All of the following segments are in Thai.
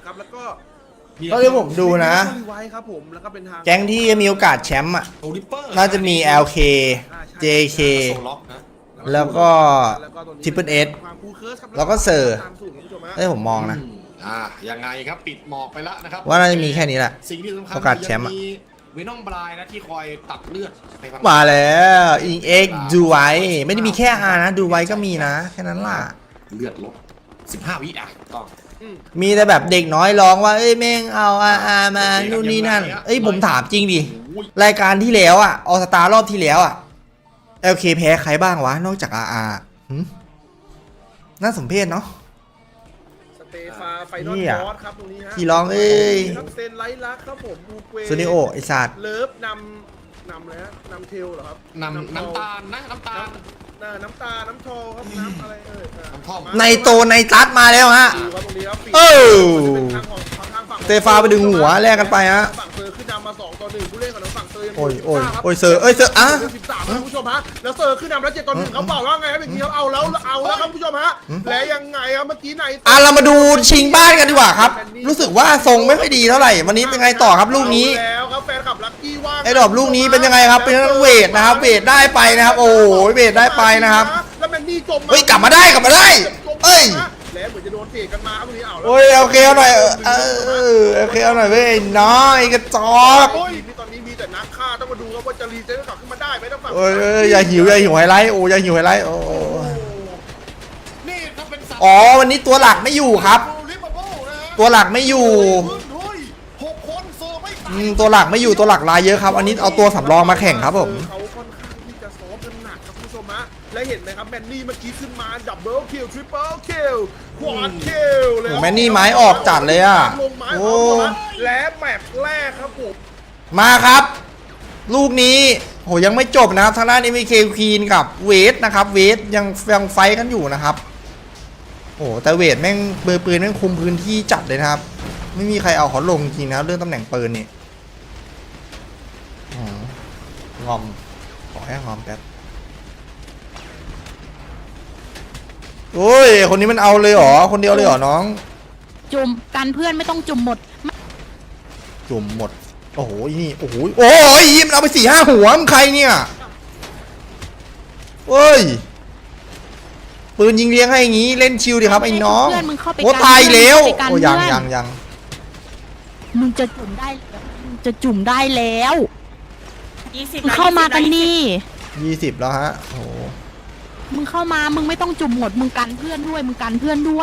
ครับแล้วก็เท่าที่ผมดูนะไว้ครับผมแล้วก็เป็นทางแก๊งที่มีโอกาสแชมป์อ่ะโอลิเปอร์น่าจะมี LK JK โซล็อกนะแล้วก็ Triple S แล้วก็เซอร์ได้ผมมองนะยังไงครับปิดหมอกไปแล้วนะครับว่าน่าจะมีแค่นี้แหละสิ่งที่สำคัญโอกาสแชมป์อะเวนอมบรายนะที่คอยตัดเลือดไปบางมาแล้วอิงเอ็กดูไว้ไม่ได้มีแค่อานะดูไว้ก็มีนะแค่นั้นล่ะเลือดลด15 วิต้องมีแต่แบบเด็กน้อยร้องว่าเอ้ยแม่งเอาอามานู่นนี่นั่นเอ้ยผมถามจริงดิรายการที่แล้วอ่ะออสตารอบที่แล้วอ่ะ LK แพ้ใครบ้างวะนอกจากอาน่าสมเพชเนาะสเตฟาไฟนอลบอสครับตรงนี้ฮะที่ร้องเอ้ยครับเซนไลท์ลักครับผมบูเกวซูนิโอไอสัตว์เลิฟนำเลยฮะนำเทลเหรอครับน้ำตาลนะน้ำตาลน้ำตาน้ำทอครับน้ำอะไรน้ำท่อมในโตในจัดมาแล้วฮะดูครับตรงนี้ครับเออทางของทางฝั่งเตฟาไปดึงหัวแลกกันไปฮะฝั่งเซอร์ขึ้นนำมา2-1ผู้เล่นของทางฝั่งเซอร์ยังโอ้ยมีโอ้ยครับโอ้ยเซอร์เอ้ยเซอร์อ่ะ 13นะคุณผู้ชมฮะแล้วเซอร์ขึ้นนำแล้ว7-1เขาบอกว่าไงครับอย่างนี้ครับเอาแล้วครับคุณผู้ชมฮะและยังไงครับเมื่อกี้ไหนเรามาดูชิงบ้านกันดีกว่าครับ รู้สึกว่าทรงไม่ค่อยดีเท่าไหร่วันนี้เป็นไงต่อครับลูกนี้แล้วครับแฟนคลับลัคกี้ว่างไอ้ดอกลูกนี้เป็นยังไงครับเป็นเวทนะครับเวทได้ไปนะครับโอ้ยเวทได้ไปนะครับแล้วแมนนี่จมเฮ้ยกลับมาได้เอ้ยแล้วเหมือนจะโดนเตะกันมาครับวันนี้เอาแล้วโอ้ยโอเคเอาหน่อยโอเคเอาหน่อยเว้ยน้อยกระจอกโอ้ยนี่ตอนนี้มีแต่นักฆ่าต้องมาดูครับว่าจะรีเซ็ตกลับขึ้นมาได้ไหมต้องฝั่งโอ้ยอย่าหิวไฮไลท์โอ้อย่าหิวไฮไลท์โอ้นี่ถ้าเป็นสัตว์อ๋อวันนี้ตัวหลักไม่อยู่ครับลิเวอร์พูลนะฮะตัวหลักไม่อยู่ 6 คนเซอร์ไม่ตายตัวหลักไม่อยู่ตัวหลักลายเยอะครับอันนี้เอาตัวสำรองมาแข่งครับผมเขาค่อนข้างที่จะซ้อมกันหนักครับคุณผู้ชมฮะและเห็นไหมครับแมนนี่เมื่อกี้ขึ้นมาดับเบิลคิวทริปเปิลคิวควอดคิวเลยแมนนี่ไม้ออกจัดเลยอ่ะลงไม้โอ้และแมตช์แรกครับผมมาครับ ลูกนี้โหยังไม่จบนะครับทางด้าน MK Queen กับเวทนะครับเวทยังไฟกันอยู่นะครับโอ้แต่เวทแม่งเบอร์ปืนแม่งคุมพื้นที่จัดเลยนะครับไม่มีใครเอาเขาลงจริงนะเรื่องตำแหน่งปืนนี่งอมขอให้งอมแป๊บโอ้ยคนนี้มันเอาเลยเหรอคนเดียวเลยเหรอน้องจุ่มกันเพื่อนไม่ต้องจุ่มหมดจุ่มหมดโอ้โหนี่โอ้โหโอ้ยมันเอาไป4-5 หัวมันใครเนี่ยเฮ้ยปืนยิงเลี้ยงให้อย่างงี้เล่นชิลดิครับไอ้น้องเพื่อนมึงเข้าไปโอ้ตายแล้วไปกันโอ้ยังเพื่อนยังมึงจะจุ่มได้มึงจะจุ่มได้แล้ว 20 มึงเข้ามากันนี่ 20แล้วฮะโอ้โหมึงเข้ามามึงไม่ต้องจุ่มหมดมึงกันเพื่อนด้วยมึงกันเพื่อนด้วย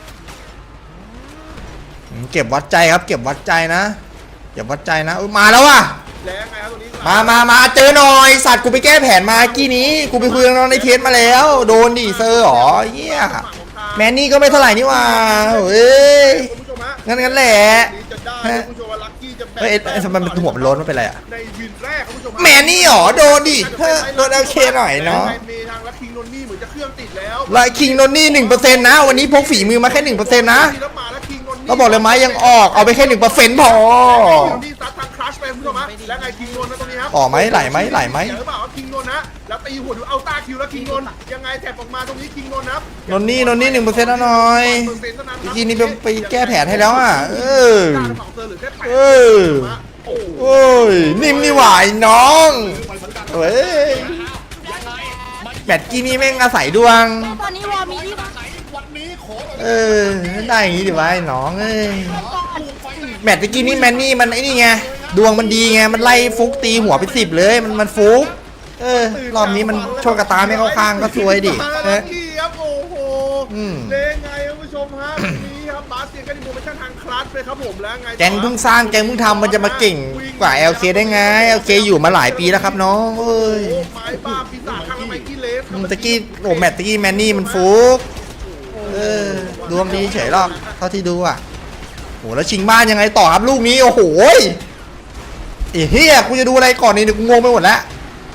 เก็บวัดใจครับเก็บวัดใจนะเก็บวัดใจนะมาแล้วว่ะและไงครับตรงนี้มาเจอหน่อยสัตว์กูไปแก้แผนมากี้นี้กูไปคุยกับน้องในเทสมาแล้วโดนดิเซอร์หรอเฮียแมนนี่ก็ไม่เท่าไหร่นี่ว่าเฮ้ยคุณผู้ชมฮะงั้นแหละนี่จะได้คุณผู้ชมว่าลัคกี้จะแบ่งเฮ้ยไอ้สมันหัวมันโล้นมันเป็นไรอะในวินแรกคุณผู้ชมฮะแมนนี่หรอโดนดิโดน LK หน่อยเนาะมีทางลัคคิงนนนี่เหมือนจะเครื่องติดแล้วไลคิงนนนี่ 1% นะวันนี้พกฝีมือมาแค่ 1% นะแล้วมาลัคคิงนนนี่เราบอกเลยไหมยังออกเอาไปแค่ 1%พอนี่ซัดทางคลัชไปคุณผู้ชมฮะแล้วไงคิงนนนะตรงนี้ครับออกไหมไหลไหมไหลไหมเดี๋ยวหรือเปล่าคิงนนนะแล้วตีหัวดูเอาตาคิวแล้วคิงนนยังไงแถบออกมาตรงนี้คิงนนนะครับนนนี่ 1%นะหน่อย 1%เท่านั้นครับทีนี้ไปแก้แผนให้แล้วอ่ะเออ โอ้ยนิ่มนี่หวายน้องเฮ้ยแมตช์กี้นี้แม่งอาศัยดวงตอนนี้วอร์มีที่วันนี้ขอได้อย่างงี้ดิวะไอ้น้องเอ้ยแมตช์กี้นี้แมนนี่มันไอ้นี่ไงดวงมันดีไงมันไล่ฟุกตีหัวไป10เลยมันฟุกรอบนี้มันโชคกระตาไม่เข้าข้างก็ซวยดิครับโอ้โหเล่นไงคุณผู้ชมฮะนี้ครับบาสเซียนก็ดีโมชั่นทางคลัชเลยครับผมแล้วไงแกงเพิ่งสร้างแกงเพิ่งทำมันจะมาเก่งกว่า LK ได้ไง LK อยู่มาหลายปีแล้วครับน้องเอ้ยไม้บ้าปีศาจทางไมกี้เลสตะกี้โอ้แมตตะกี้แมนนี่มันฟุกดวงดีเฉยหรอกเท่าที่ดูอ่ะโหแล้วชิงบ้านยังไงต่อครับลูกนี้โอ้โหไอ้เฮียกูจะดูอะไรก่อนนี่เดี๋ยวกูงงไปหมดแล้ว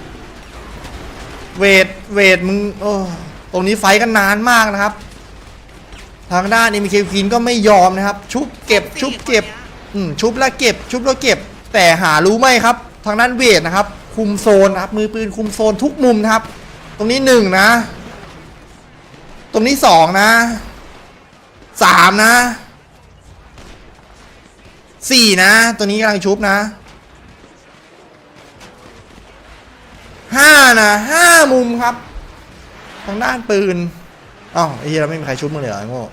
เวทมึงโอ้ตรงนี้ไฟกันนานมากนะครับทางด้านMK Queenก็ไม่ยอมนะครับชุบเก็บชุบแล้วเก็บแต่หารู้ไหมครับทางด้านเวทนะครับคุมโซนนะครับมือปืนคุมโซนทุกมุมนะครับตรงนี้1นะตรงนี้2นะ3นะ 4นะตัวนี้กำลังชุบนะ5นะ5มุมครับทางด้านปืนอ้าวไอ้เหี้ยเราไม่มีใครชุบมึงเลยเหรอไอ้โง่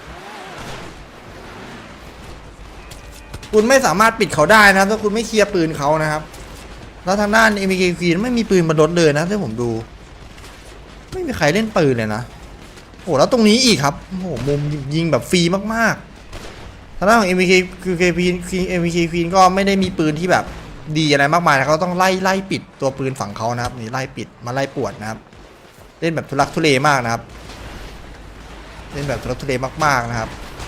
คุณไม่สามารถปิดเขาได้นะถ้าคุณไม่เคลียร์ปืนเขานะครับแล้วทางด้าน MK ฟีนไม่มีปืนบนรถเลยนะที่ผมดูไม่มีใครเล่นปืนเลยนะโอ้แล้วตรงนี้อีกครับโอ้โหมุมยิงแบบฟรีมากๆทางด้านของ MK Queen ก็ไม่ได้มีปืนที่แบบดีอะไรมากมายนะเขาต้องไล่ปิดตัวปืนฝั่งเขานะครับนี่ไล่ปิดมาไล่ปวดนะครับเล่นแบบทุลักทุเลมากนะครับเล่นแบบทุลักทุเลมากๆนะครับ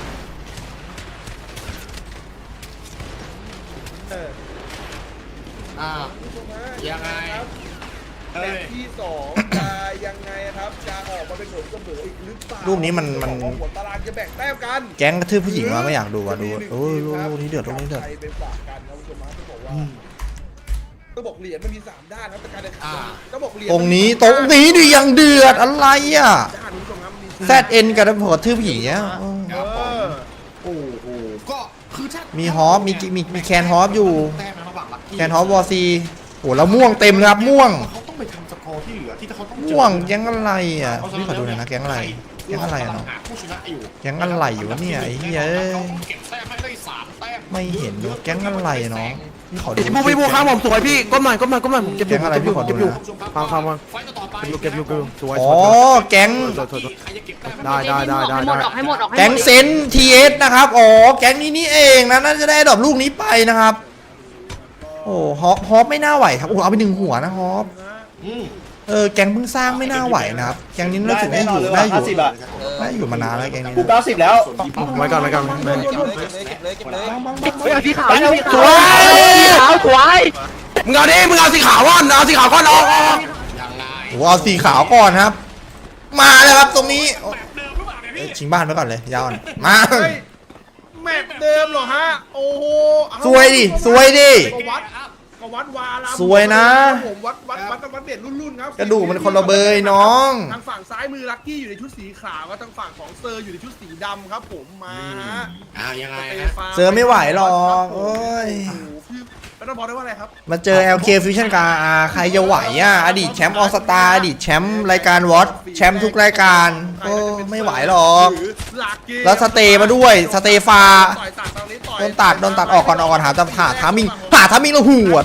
ผู้ชมฮะยังไงครับเฮ้แมยตช์ที่2จะยังไงครับจะออกมาเป็นผลเสมออีกหรือเปล่ารูปนี้มันหัวตารางจะแบ่งแต้มกันแก๊งกระทืบผู้หญิงมาไม่อยากดูอ่ะดูโอ้ยลูกนี้เดือดลูกนี้เดือดใครไปฝากกันครับคุณผู้ชมฮะต้องบอกว่าต้องบอกเหรียญมันมี3ด้านครับแต่การแข่งขันต้องบอกเหรียญตรงนี้ดิยังเดือดอะไรอ่ะด้านคุณผู้ชมครับมี ZN กับหัวทืบผู้หญิงเนี่ยครับผม โอ้โหก็คือถ้ามีมีฮอปมีแคนฮอปอยู่แต้มนะระหว่างลัคกี้แคนฮอปวอซีโอ้แล้วม่วงเต็มเลยครับม่วงเขาต้องไปทำสกอร์ที่เหลือที่เขาต้องเจอม่วงแก๊งอะไรอ่ะพี่ขอดูหน่อยนะแก๊งอะไรแก๊งอะไรอ่ะเนาะหาผู้ชนะอยู่แก๊งอะไรอยู่วะเนี่ยไอ้เหี้ยเขาเก็บแต้มให้ได้3 แต้มไม่เห็นดูแก๊งอะไรอะเนาะพี่ขอดูพี่บูครับผมสวยพี่ก้มหน่อยก้มหน่อยก้มหน่อยผมเก็บอยู่แก๊งอะไรพี่ขอดูเก็บอยู่นะฟังฟังไฟต์ต่อไปเก็บอยู่สวยอ๋อแก๊งใครจะเก็บแต้มได้ให้หมดออกให้หมดออกให้หมดแก๊งเซนทีเอสนะครับอ๋อแก๊งนี้นี่เองนะน่าจะได้ดอกลูกนี้ไปนะครับโอ้ฮอปไม่น่าไหวครับโอ้เอาไป1 หัวนะฮอปอืมแก๊งเพิ่งสร้างไม่น่าไหวนะครับแก๊งนี้รู้สึกได้อยู่มานานแล้วแก๊งนี้กู90แล้วไว้ก่อนไม่เฮ้ยเอาสีขาวเอาสีสขาววยสีขาวสวยมึงเอาสีขาวก่อนเอาสีขาวก่อนออกยังไงโอ้เอาสีขาวก่อนครับ มาแล้วครับตรงนี้แบบเดิมหรือเปล่าเนี่ยพี่ชิงบ้านไว้ก่อนเลยยาวก่อนมาเฮ้ยแมตช์เดิมเหรอฮะโอ้โหเอาสวยดิก็วัดวาลามสวยนะผมวัดเด็ดรุ่นๆครับกระดูกมันคนละเบยน้องทางฝั่งซ้ายมือลักกี้อยู่ในชุดสีขาวก็ทางฝั่งของเซอร์อยู่ในชุดสีดำครับผมมาฮะยังไงสเตฮะฟานเจอไม่ไหวหรอกโอ้ยโอ้โหคือแล้วต้องบอกได้ว่าอะไรครับมาเจอ LK Fusion กับ RR ใครจะไหวอ่ะอดีตแชมป์ออสตาอดีตแชมป์รายการวอตแชมป์ทุกรายการก็ไม่ไหวหรอกหรือลักกี้แล้วสเตย์มาด้วยสเตฟาต่อยตัดตรงนี้ต่อยโดนตัดออกก่อนหาทามิงแล้วหวด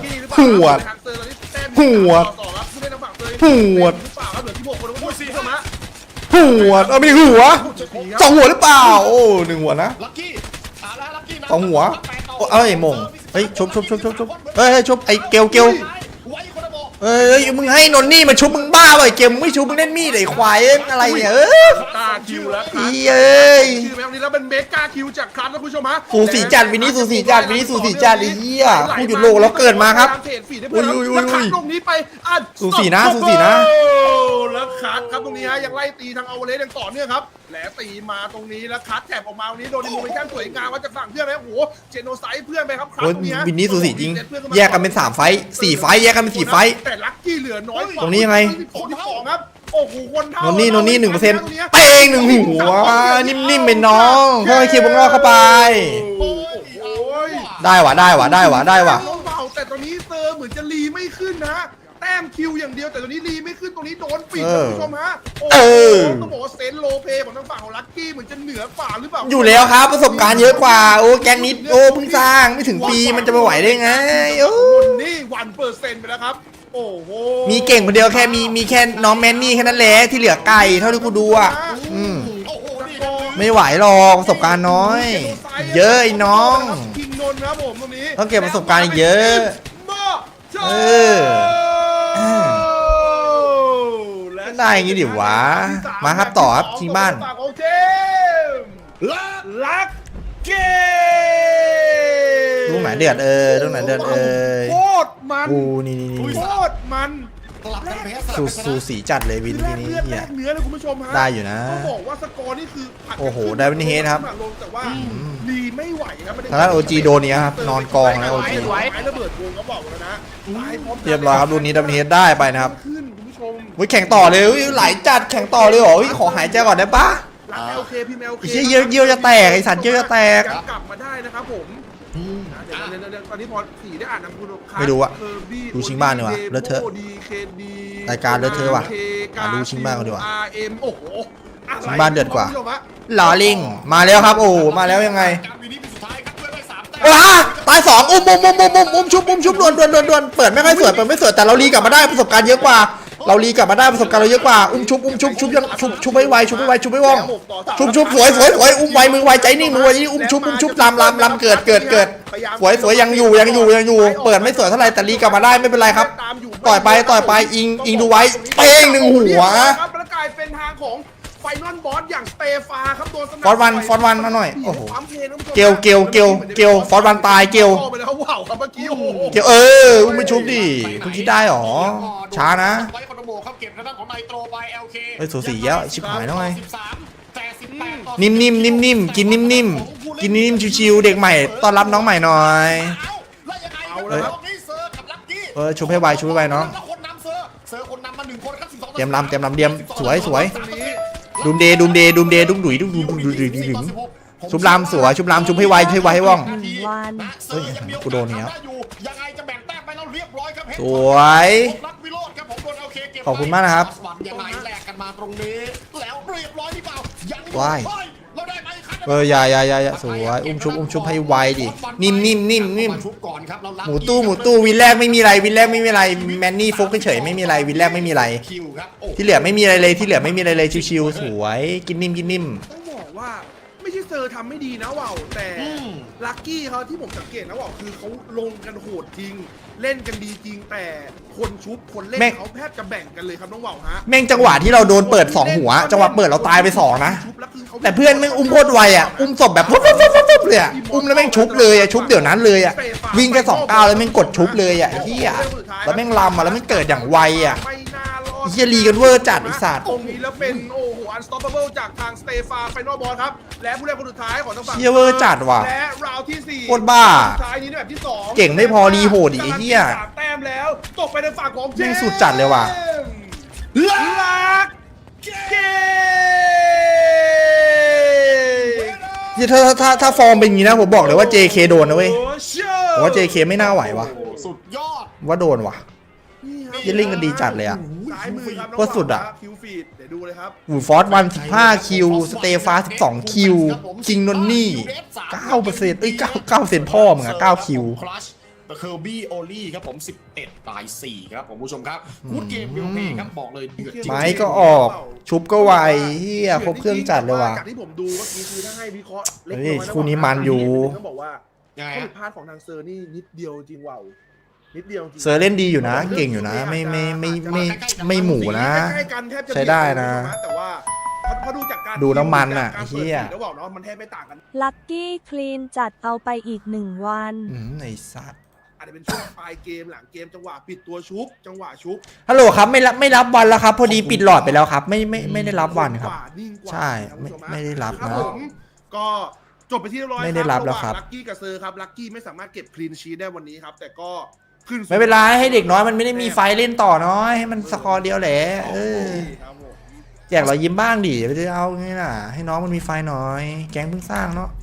หวด หวด หัวไม่ได้หัว2 หัวหรือเปล่าโอ้1 หัวนะลัคกี้แล้วลัคกี้นะ 2 หัวโอ้เอ้ยมงเฮ้ยชุบเฮ้ยชุบไอ้เกลไว้คนละบอกเอ้ยมึงให้นนนี่มาชุบมึงบ้าเปล่าไอ้เกลมึงไม่ชุบมึงเล่นมีดไอ้ควายอะไรเนี่ยกาคิวแล้วอีเอ้ยคิวแบบนี้แล้วเป็นเมกาคิวจากครันนะคุณผู้ชมฮะสูสีจัดวินนี่สูสีจัดไอ้เหี้ยผู้หยุดโลกแล้วเกิดมาครับ อุ้ยแล้วคัดตรงนี้ไปอัดสูสีนะแล้วคัดครับตรงนี้ฮะยังไล่ตีทางเอาเลสยังต่อเนื่องครับแหลตีมาตรงนี้แล้วคัดแถบออกมาตรงนี้โดนดิโมเมชั่นสวยงามว่าจะสั่งเพื่อนไหมโอ้โหเจโนไซด์เพื่อนไปครับคัดโอ้ยตรงนี้ฮะวินนี่สูสีจริงแยกกันเป็น3 ไฟต์4 ไฟต์แยกกันเป็น4 ไฟต์แต่ลัคกี้เหลือน้อยกว่าตรงนี้ยังไงคนที่2ครับโอ้โหคนเท่านนนี่1%เป้ง1 หัวนิ่มๆเป็นน้องค่อยๆเคียววงนอกเข้าไปโอ้ยได้ว่ะน้องเบาแต่ตอนนี้เซอร์เหมือนจะรีไม่ขึ้นนะแต้มคิวอย่างเดียวแต่ตอนนี้รีไม่ขึ้นตรงนี้โดนปิดนะคุณผู้ชมฮะโอ้โหต้องบอกว่าเซนโลเปของทางฝั่งของลัคกี้เหมือนจะเหนือกว่าหรือเปล่าอยู่แล้วครับประสบการณ์เยอะกว่าโอ้แก๊งนี้โอ้เพิ่งสร้างไม่ถึงปีมันจะไปไหวได้ไงโอ้นี่1%ไปแล้วครับโอ้โหมีเก่งคนเดียวแค่มีแค่น้องแมนนี่แค่นั้นแหละที่เหลือไก่เท่าที่กูดูอ่ะโอ้โหนี่ไม่ไหวหรอกประสบการณ์น้อย เยอะไอ้น้องคิงนนท์ครับผมตรงนี้ต้องเก็บประสบการณ์อีกเยอะ เออ ก็ได้อย่างงี้ดิวะมาครับต่อครับชิงบ้านโอเคลักเกลูกไหนเดือดลูกไหนเดือดโคตรมันกูนี่โคตรมันสลับกันแพ้สลับกันชนะสูสีจัดเลยวินแลทีกนี้เลือดเฮีแลยกเนื้อเลยคุณผู้ชมฮะได้อยู่นะต้องบอกว่าสกอร์นี่คือผัดกันโอ้โหขึ้นได้เป็นเฮดครับลงแต่ว่าดีไม่ไหวครับไม่ได้ทางด้าน OG โดนเนี้ยครับนอนกองแล้ว OG ไม้ระเบิดวงเขาบอกแล้วนะตายพร้อมกันเรียบร้อยครับรุ่นนี้ดับเบิลเฮดได้ไปนะครับขึ้นคุณผู้ชมแข่งต่อเลยไหลจัดแข่งต่อเลยเหรอขอหายใจก่อนได้ปะรัก LK พี่แมวไอ้เหี้ยเยี่ยวจะแตกไอ้สัตว์เยี่ยวจะแตกกลับมาได้นะครับผมเดี๋ยวตอนนี้พอสี่ได้อ่านนามคุณไม่รู้อะดูชิงบ้านดีกว่าเลอะเทอะ รายการเลอะเทอะว่ะดูชิงบ้านกันดีกว่า RM โอ้โหชิงบ้านเดือดกว่าลอลิงมาแล้วครับโอ้มาแล้วยังไงว้าตาย2อุ้มชุบด่วนเปิดไม่ค่อยสวยแต่เรารีกลับมาได้ประสบการณ์เยอะกว่าเรารีกลับมาได้ประสบการณ์เราเยอะกว่าชุบยังชุบไม่ไวชุบไม่ว่องชุบสวยอุ้มไวมือไวใจนิ่งมือไวอุ้มชุบลำเกิดสวยยังอยู่เปิดไม่สวยเท่าไหร่แต่รีกลับมาได้ไม่เป็นไรครับต่อยไปอิงดูไว้เป้ง1หัวครับแล้วกลายเป็นทางของไฟนอลบอสอย่างสเตฟาครับโดนสนับฟอร์วันมาหน่อยโอ้โหเกลฟอร์วันตายเกลไปแล้วว้าวครับเมื่อกี้โอ้โหเกลอุ้มไม่ชุบดิเพิ่งคิดได้หรอช้านะเฮ้ยสูสีเยอะชิบหายแล้วไงนิ่มกินนิ่มชิวๆเด็กใหม่ต้อนรับน้องใหม่หน่อยชุบให้ไวน้องเตรียมลำเดียมสวยดุมเดดุยชุบลำสวยชุบให้ไวให้ว่องเฮ้ยกูโดนเนี้ยสวยขอบคุณมากนะครับว้ายอย่าสวยอุ้มชุบให้ไวดินิ่มหมูตู้วินแรกไม่มีอะไรแมนนี่ฟุกเฉยไม่มีอะไรวินแรกไม่มีอะไรที่เหลือไม่มีอะไรเลยชิวๆสวยกินนิ่มต้องบอกว่าไม่ใช่เซอร์ทำไม่ดีนะว่าวแต่ลัคกี้เขาที่ผมสังเกตนะว่าวคือเขาลงกันโหดจริงเล่นกันดีจริงแต่คนชุบคนเล่นเขาแทบจะแบ่งกันเลยครับน้องว่าวฮะแม่งจังหวะที่เราโดนเปิด2หัวจังหวะเปิดเราตายไป2นะแต่เพื่อนแม่งอุ้มโคตรไวอ่ะอุ้มศพแบบปุ๊บเลยอ่ะอุ้มแล้วแม่งชุบเลยอ่ะชุบเดี๋ยวนั้นเลยอ่ะวิ่งแค่2 ก้าวแล้วแม่งกดชุบเลยอ่ะเฮียแล้วแม่งลำอ่ะแล้วแม่งเกิดอย่างไวอ่ะเฮียรีกันเวอร์จัดไอ้สัตว์ตรงนี้แล้วเป็นโอ้โหอันสต็อปเปอร์จากทางสเตฟาไฟนอลบอลครับและผู้เล่นคนสุดท้ายของทางฝั่งเฮียเวอร์จัดว่ะและราวที่4 โคตรบ้าสุดท้ายนี้ในแบบที่2 เก่งไม่พอรีโหดอีกเฮียแต้มแล้วตกไปในฝั่งของเจมส์สุดจัดเลยว่ะลักเกถ้าฟอร์มเป็นอย่างนี้นะผมบอกเลยว่า JK โดนนะเว้ยผมว่า JK ไม่น่าไหวว่ะสุดยอดว่าโดนว่ะยิ่งลิงกันดีจัดเลยอ่ะโคตรสุดอ่ะคิวฟีดเดี๋ยวดูเลยครับฟอร์สวัน15คิวสเตฟา12คิวคิงนนนี่9%9%พ่อมึงอ่ะ9คิวเคอร์บี้โอลี่ครับผม11 ตาย 4ครับผมผู้ชมครับกูดเกมวิวเพย์ครับบอกเลยเดือดจริงไม้ก็ออกชุบก็ไวเฮียครบเครื่องจัดเลยว่ะจากที่ผมดูเมื่อกี้คือถ้าให้วิเคราะห์เล็กน้อยคู่นี้มันอยู่ต้องบอกว่าข้อผิดพลาดของทางเซอร์นี่นิดเดียวจริงว่าวนิดเดียวจริงเซอร์เล่นดีอยู่นะเก่งอยู่นะไม่หมูนะใช้ได้นะแต่ว่าพอดูจากการดูน้ำมันอ่ะเฮียแล้วบอกเนาะมันแทบไม่ต่างกันลัคกี้คลีนจัดเอาไปอีก1 วันไอ้สัตว์อาจจะเป็นช่วงปลายเกมหลังเกมจังหวะปิดตัวชุบจังหวะชุบฮัลโหลครับไม่รับวันแล้วครับพอดีปิดหลอดไปแล้วครับไม่ได้รับวันครับใช่ไม่ได้รับนะก็จบไปที่เรียบร้อยไม่ได้รับแล้วครับลัคกี้กับเซอร์ครับลัคกี้ไม่สามารถเก็บคลีนชีทได้วันนี้ครับแต่ก็ขึ้นไม่เป็นไรให้เด็กน้อยมันไม่ได้มีไฟเล่นต่อน้อยให้มันสกอร์เดียวแหละแจกรอยยิ้มบ้างดิไม่ได้เอาไงล่ะให้น้องมันมีไฟหน่อยแก๊งเพิ่งสร้างเนาะ